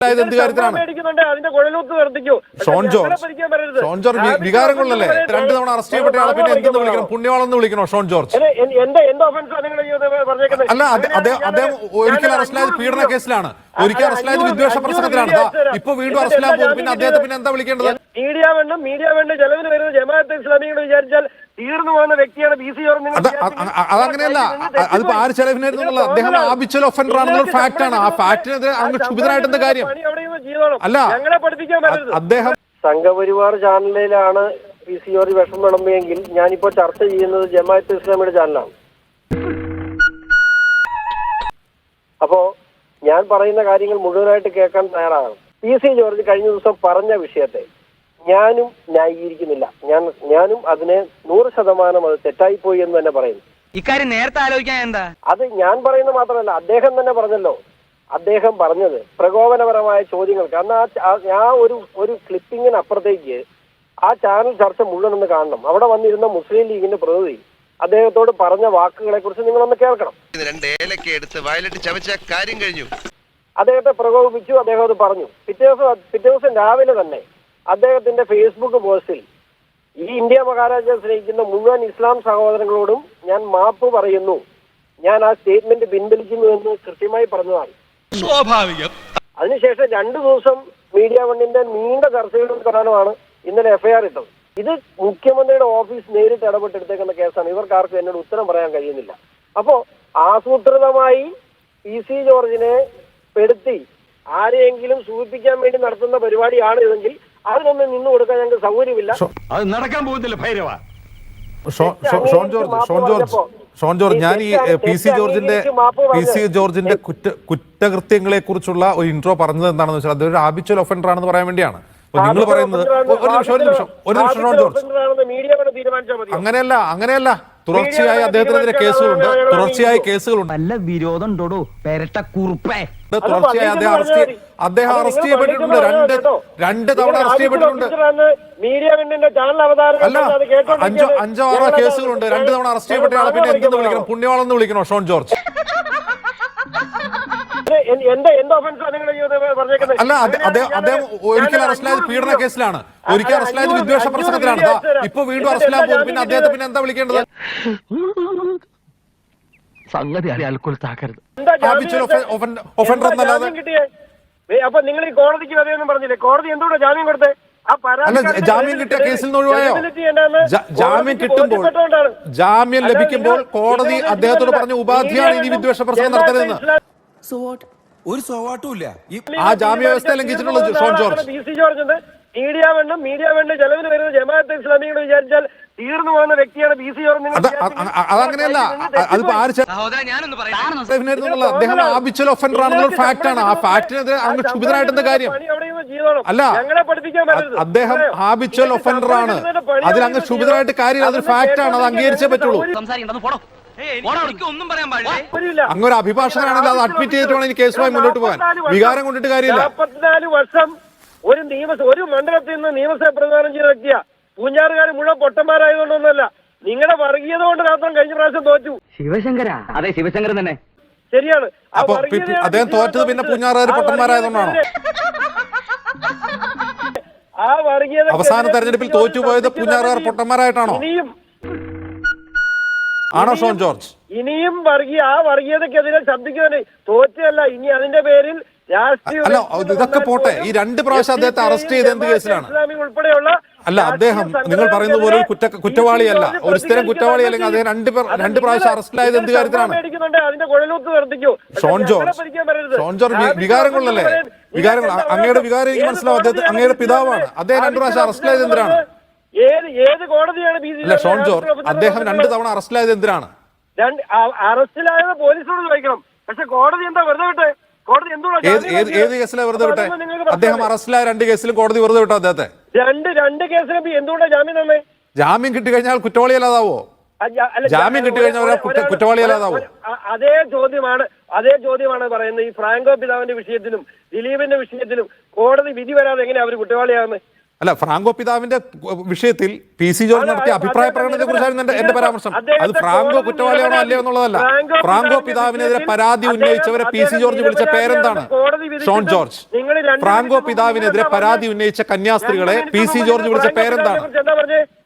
എന്ത് കാര്യത്തിലാണ് വികാരം കൊള്ളല്ലേ? 2 തവണ അറസ്റ്റ് ചെയ്യപ്പെട്ട ആളെ പിന്നെ എന്തെന്ന് വിളിക്കണം? പുണ്യവാളെന്ന് വിളിക്കണോ ഷോൺ ജോർജ്? അല്ല, അദ്ദേഹം ഒരിക്കൽ അറസ്റ്റിലായത് പീഡന കേസിലാണ്, ഒരിക്കൽ അറസ്റ്റിലായത് വിദ്വേഷ പ്രസംഗത്തിലാണ്. ഇപ്പൊ വീണ്ടും അറസ്റ്റിലാൻ പോകും. പിന്നെ അദ്ദേഹത്തെ പിന്നെ എന്താ വിളിക്കേണ്ടത്? മീഡിയ വേണ്ട ചെലവിന് വരുന്നത് ജമാഅത്തെ ഇസ്ലാമിയോട് വിചാരിച്ചാൽ തീർന്നു പോകുന്ന വ്യക്തിയാണ് പി സി ജോർജ്. അതങ്ങനെയല്ല. അതിപ്പോ ആര് ചെലവിനായിരുന്നുള്ള അദ്ദേഹം ആബിച്വൽ ഒഫൻഡർ ആണെന്നുള്ള ഫാക്ട് ആണ്. ആ ഫാക്ടിനെതിരെ അങ്ങ് ക്ഷുഭിതനായിട്ട് എന്താ കാര്യം? അല്ല, ഞങ്ങളെ പഠിപ്പിക്കാൻ അദ്ദേഹം സംഘപരിവാർ ചാനലിലാണ് പി സി ജോർജ് വിഷം വിളമ്പിയെങ്കിൽ ഞാനിപ്പോ ചർച്ച ചെയ്യുന്നത് ജമാഅത്തെ ഇസ്ലാമിയുടെ ചാനലാണ്. അപ്പോ ഞാൻ പറയുന്ന കാര്യങ്ങൾ മുഴുവനായിട്ട് കേൾക്കാൻ തയ്യാറാണ്. പി സി ജോർജ് കഴിഞ്ഞ ദിവസം പറഞ്ഞ വിഷയത്തെ ഞാനും ന്യായീകരിക്കുന്നില്ല. ഞാനും അതിനെ 100% അത് തെറ്റായിപ്പോയി എന്ന് തന്നെ പറയുന്നു. ഇക്കാര്യം നേരത്തെ ആലോചിക്കാൻ എന്താ? അത് ഞാൻ പറയുന്നത് മാത്രമല്ല, അദ്ദേഹം തന്നെ പറഞ്ഞല്ലോ. അദ്ദേഹം പറഞ്ഞത് പ്രകോപനപരമായ ചോദ്യങ്ങൾക്ക് അന്ന് ആ ഒരു ക്ലിപ്പിങ്ങിനപ്പുറത്തേക്ക് ആ ചാനൽ ചർച്ച മുഴുവൻ ഒന്ന് കാണണം. അവിടെ വന്നിരുന്ന മുസ്ലിം ലീഗിന്റെ പ്രതിനിധി അദ്ദേഹത്തോട് പറഞ്ഞ വാക്കുകളെ കുറിച്ച് നിങ്ങളൊന്ന് കേൾക്കണം. അദ്ദേഹത്തെ പ്രകോപിപ്പിച്ചു, അദ്ദേഹം അത് പറഞ്ഞു. പിറ്റേ ദിവസം രാവിലെ തന്നെ അദ്ദേഹത്തിന്റെ ഫേസ്ബുക്ക് പോസ്റ്റിൽ ഈ ഇന്ത്യ മഹാരാജ്യം സ്നേഹിക്കുന്ന മുഴുവൻ ഇസ്ലാം സഹോദരങ്ങളോടും ഞാൻ മാപ്പ് പറയുന്നു, ഞാൻ ആ സ്റ്റേറ്റ്മെന്റ് പിൻവലിക്കുന്നു എന്ന് കൃത്യമായി പറഞ്ഞതാണ്. സ്വാഭാവികം. അതിനുശേഷം 2 ദിവസം മീഡിയ വണ്ണിന്റെ നീണ്ട ചർച്ചകളുടെ പ്രധാനമാണ് ഇന്നലെ എഫ്ഐആർ ഇട്ടത്. ഇത് മുഖ്യമന്ത്രിയുടെ ഓഫീസ് നേരിട്ട് ഇടപെട്ടെടുത്തേക്കുന്ന കേസാണ്. ഇവർക്കാർക്കും എന്നോട് ഉത്തരം പറയാൻ കഴിയുന്നില്ല. അപ്പോ ആസൂത്രിതമായി പി സി ജോർജിനെ പെടുത്തി ആരെയെങ്കിലും സൂചിപ്പിക്കാൻ വേണ്ടി നടത്തുന്ന പരിപാടിയാണ് ഇതെങ്കിൽ അതിനൊന്നും നിന്നു കൊടുക്കാൻ ഞങ്ങൾക്ക് സൗകര്യമില്ല. അത് നടക്കാൻ പോകുന്നില്ല ഭൈരവ. ഷോൺ ജോർജ്, ഞാൻ ഈ പി സി ജോർജിന്റെ കുറ്റകൃത്യങ്ങളെ കുറിച്ചുള്ള ഒരു ഇൻട്രോ പറഞ്ഞത് എന്താണെന്ന് വെച്ചാൽ അതൊരു ആബിച്വൽ ഒഫൻഡർ ആണെന്ന് പറയാൻ വേണ്ടിയാണ്. നിങ്ങൾ പറയുന്നത് ഒരു നിമിഷം ഷോൺ ജോർജ്, അങ്ങനെയല്ല. തുടർച്ചയായി അദ്ദേഹത്തിനെതിരെ കേസുകളുണ്ട്, നല്ല വിരോധം ഉണ്ടോ പേരട്ട കുറുപ്പേ? തുടർച്ചയായി അദ്ദേഹം അറസ്റ്റ് ചെയ്യപ്പെട്ടിട്ടുണ്ട്. 2 തവണ അറസ്റ്റ് ചെയ്യപ്പെട്ടിട്ടുണ്ട്. അല്ല, 5-6 കേസുകളുണ്ട്. 2 തവണ അറസ്റ്റ് ചെയ്യപ്പെട്ട ആളെ പിന്നെ എന്തെന്ന് വിളിക്കണം? പുണ്യവാളെന്ന് വിളിക്കണോ ഷോൺ ജോർജ്? അല്ല, അദ്ദേഹം ഒരിക്കൽ അറസ്റ്റിലായത് പീഡന കേസിലാണ്, ഒരിക്കൽ അറസ്റ്റിലായത് വിദ്വേഷ പ്രസംഗത്തിലാണ്. ഇപ്പൊ വീണ്ടും അറസ്റ്റിലാൻ പോകും. പിന്നെ അദ്ദേഹത്തെ പിന്നെ എന്താ വിളിക്കേണ്ടത്? സംഗതി ഒഫൻഡർ എന്നല്ലാതെ. അപ്പൊ നിങ്ങൾ ഈ കോടതിക്ക് വരെയൊന്നും പറഞ്ഞില്ലേ? കോടതി എന്തുകൊണ്ടാ ജാമ്യം കൊടുത്തത്? അല്ല, ജാമ്യം കിട്ടിയ കേസിൽ നിന്ന് ഒഴിവായോ? ജാമ്യം ലഭിക്കുമ്പോൾ കോടതി അദ്ദേഹത്തോട് പറഞ്ഞ ഉപാധിയാണ് ഇനി വിദ്വേഷ പ്രസംഗം നടത്തരുതെന്ന്. ഒരു സോവാട്ടുമില്ല. ആ ജാമ്യ വ്യവസ്ഥ ലംഘിച്ചിട്ടുള്ളത് Shone George. P C George media വേണ്ട ചെലവിന് വരുന്നത് ജമാഅത്തെ ഇസ്ലാമിയോട് വിചാരിച്ചാൽ തീർന്നു പോകുന്ന വ്യക്തിയാണ് പി സി ജോർജ്. അതങ്ങനെയല്ല. അതിപ്പോ ആര് ചെലവിനായിരുന്നുള്ള അദ്ദേഹം ആബിച്വൽ ഒഫൻഡർ ആണെന്നുള്ള ഫാക്ട് ആണ്. ആ ഫാക്ടിനെതിരെ അങ്ങ് ക്ഷുഭിതനായിട്ട് എന്താ കാര്യം? അല്ല, അദ്ദേഹം ആബിച്വൽ ഒഫൻഡർ ആണ്. അതിൽ അങ്ങ് ക്ഷുഭിതനായിട്ട് കാര്യം. അതൊരു ഫാക്ട് ആണ്, അത് അംഗീകരിച്ചേ പറ്റുള്ളൂ. അങ്ങൊരു അഭിഭാഷകനാണെങ്കിൽ അത് അഡ്മിറ്റ് ചെയ്തിട്ട് വേണം എനിക്ക് കേസുമായി മുന്നോട്ട് പോകാൻ. വികാരം കൊണ്ടിട്ട് കാര്യമില്ല. 44 വർഷം ഒരു മണ്ഡലത്തിൽ നിന്ന് നിയമസഭ പ്രതിനിധാനം ചെയ്ത വ്യക്തിയാ. പൂഞ്ഞാറുകാർ മുഴുവൻ പൊട്ടന്മാരായതുകൊണ്ടൊന്നുമല്ല, നിങ്ങളുടെ വർഗീയത കൊണ്ട് മാത്രം കഴിഞ്ഞ പ്രാവശ്യം തോറ്റു. ശിവശങ്കര, അതെ ശിവശങ്കരൻ തന്നെ ശരിയാണ്. അപ്പൊ അദ്ദേഹം തോറ്റത് പിന്നെ പൂഞ്ഞാറുകാർ പൊട്ടന്മാരായതുകൊണ്ടാണോ? ആ വർഗീയത അവസാന തെരഞ്ഞെടുപ്പിൽ തോറ്റുപോയത് പൂഞ്ഞാറുകാർ പൊട്ടന്മാരായിട്ടാണോ? ആണോ ഷോൺ ജോർജ്? ഇനിയും ആ വർഗീയതക്കെതിരെ ശബ്ദിക്കുവാൻ തോറ്റല്ല. ഇനി അതിന്റെ പേരിൽ അല്ല, ഇതൊക്കെ പോട്ടെ. ഈ 2 പ്രാവശ്യം അദ്ദേഹത്തെ അറസ്റ്റ് ചെയ്ത് എന്ത് കേസിലാണ്? അല്ല, അദ്ദേഹം നിങ്ങൾ പറയുന്നത് പോലെ കുറ്റവാളിയല്ല, ഒരു സ്ഥിരം കുറ്റവാളി അല്ലെങ്കിൽ അദ്ദേഹം 2 പ്രാവശ്യം അറസ്റ്റിലായത് എന്ത് കാര്യത്തിലാണ്? ഷോൺ ജോർജ് വികാരം കൊള്ളല്ലേ? അങ്ങയുടെ വികാരം എനിക്ക് മനസ്സിലാവും. അദ്ദേഹം അങ്ങയുടെ പിതാവാണ്. അദ്ദേഹം 2 പ്രാവശ്യം അറസ്റ്റിലായത് എന്തിനാണ്? ഏത് കോടതിയാണ്? അല്ല ഷോൺ ജോർജ്, അദ്ദേഹം 2 തവണ അറസ്റ്റിലായത് എന്തിനാണ്? അറസ്റ്റിലായത് പോലീസോട് ചോദിക്കണം. പക്ഷെ കോടതി എന്താ വെറുതെ വിട്ടെ? ഏത് കേസിലാണ് വെറുതെ വിട്ടെ? അദ്ദേഹം അറസ്റ്റിലായ 2 കേസിലും കോടതി വെറുതെ വിട്ടോ അദ്ദേഹത്തെ? 2 കേസിലും എന്തുകൊണ്ടാ ജാമ്യം തന്നെ? ജാമ്യം കിട്ടിക്കഴിഞ്ഞാൽ കുറ്റവാളിയല്ലാതാവോ? ജാമ്യം കിട്ടിക്കഴിഞ്ഞാൽ കുറ്റവാളിയല്ലാതാവോ? അതേ ചോദ്യമാണ് പറയുന്നത്. ഈ ഫ്രാങ്കോ പിതാവിന്റെ വിഷയത്തിലും ദിലീപിന്റെ വിഷയത്തിലും കോടതി വിധി വരാതെ എങ്ങനെയാ അവർ കുറ്റവാളിയാകുന്നത്? അല്ല, ഫ്രാങ്കോ പിതാവിന്റെ വിഷയത്തിൽ പി സി ജോർജ് നടത്തിയ അഭിപ്രായ പ്രകടനത്തെ കുറിച്ചായിരുന്നു എന്റെ പരാമർശം. അത് ഫ്രാങ്കോ കുറ്റവാളിയാണോ അല്ലയോ എന്നുള്ളതല്ല. ഫ്രാങ്കോ പിതാവിനെതിരെ പരാതി ഉന്നയിച്ചവരെ പി സി ജോർജ് വിളിച്ച പേരെന്താണ്? Sean George. ഫ്രാങ്കോ പിതാവിനെതിരെ പരാതി ഉന്നയിച്ച കന്യാസ്ത്രീകളെ പി സി ജോർജ് വിളിച്ച പേരെന്താണ്?